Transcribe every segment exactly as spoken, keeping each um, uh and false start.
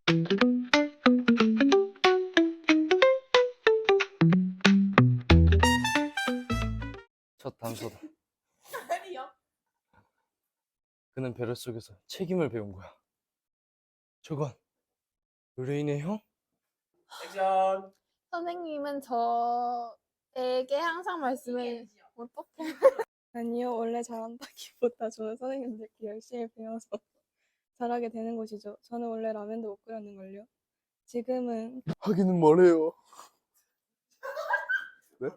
첫 단서다. 아니요. 그는 배려 속에서 책임을 배운 거야. 저건 의뢰인의 형? 액션. 선생님은 저에게 항상 말씀해. 어떡해. 아니요, 원래 잘한다기보다 저는 선생님들께 열심히 배워서 잘하게 되는 것이죠. 저는 원래 라면도 못 끓였는걸요. 지금은 하기는 뭐래요. 네?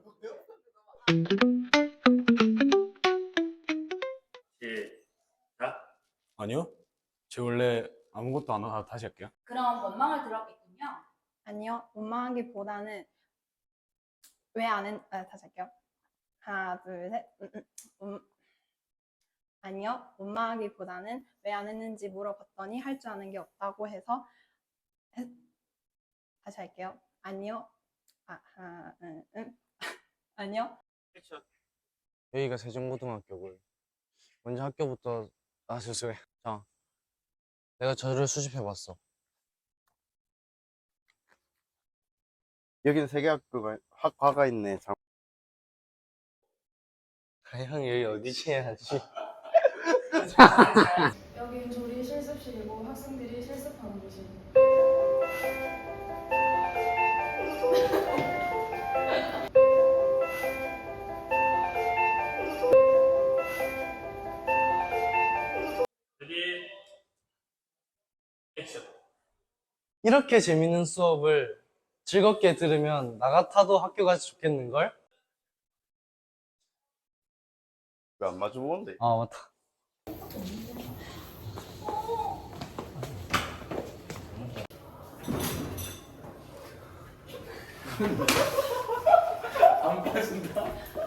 시작. 아니요. 저 원래 아무것도 안 하다 다시 할게요. 그럼 원망을 들었겠군요. 아니요, 원망하기보다는 왜 안 했... 아, 다시 할게요. 하나, 둘, 셋. 음, 음, 음. 아니요, 원망하기보다는 왜 안 했는지 물어봤더니 할 줄 아는 게 없다고 해서 했... 다시 할게요. 아니요. 아, 하나, 음, 음. 아니요. 액션. 여기가 세종고등학교고요. 먼저 학교부터 아 죄송해. 자, 내가 저를 수집해봤어. 여기는 세 개 학교가 학과가 있네. 장... 아, 형 여기 어디지 해야지. 여긴 조리 실습실이고 학생들이 실습하는 곳입니다. 레디. 액션. 이렇게 재밌는 수업을 즐겁게 들으면 나 같아도 학교 가서 좋겠는걸? 왜 안 마주보는데? 아 맞다. 안 빠진다.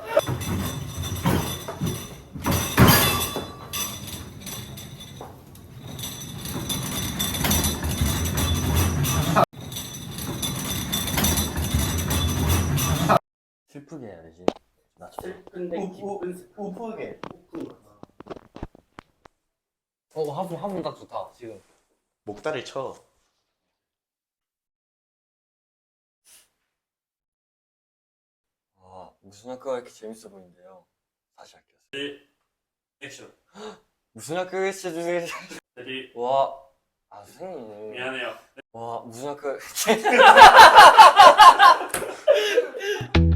슬프게 해야지. 슬픈데 기쁜. 우프게. 어 화분 화분 딱 좋다 지금. 목다리 쳐. 아, 무슨 학교가 이렇게 재밌어 보이는데요. 다시 할게요. 레디. 액션. 무슨 학교가 이렇게 재밌어. 레디. 와, 아 선생님. 미안해요. 와, 무슨 학교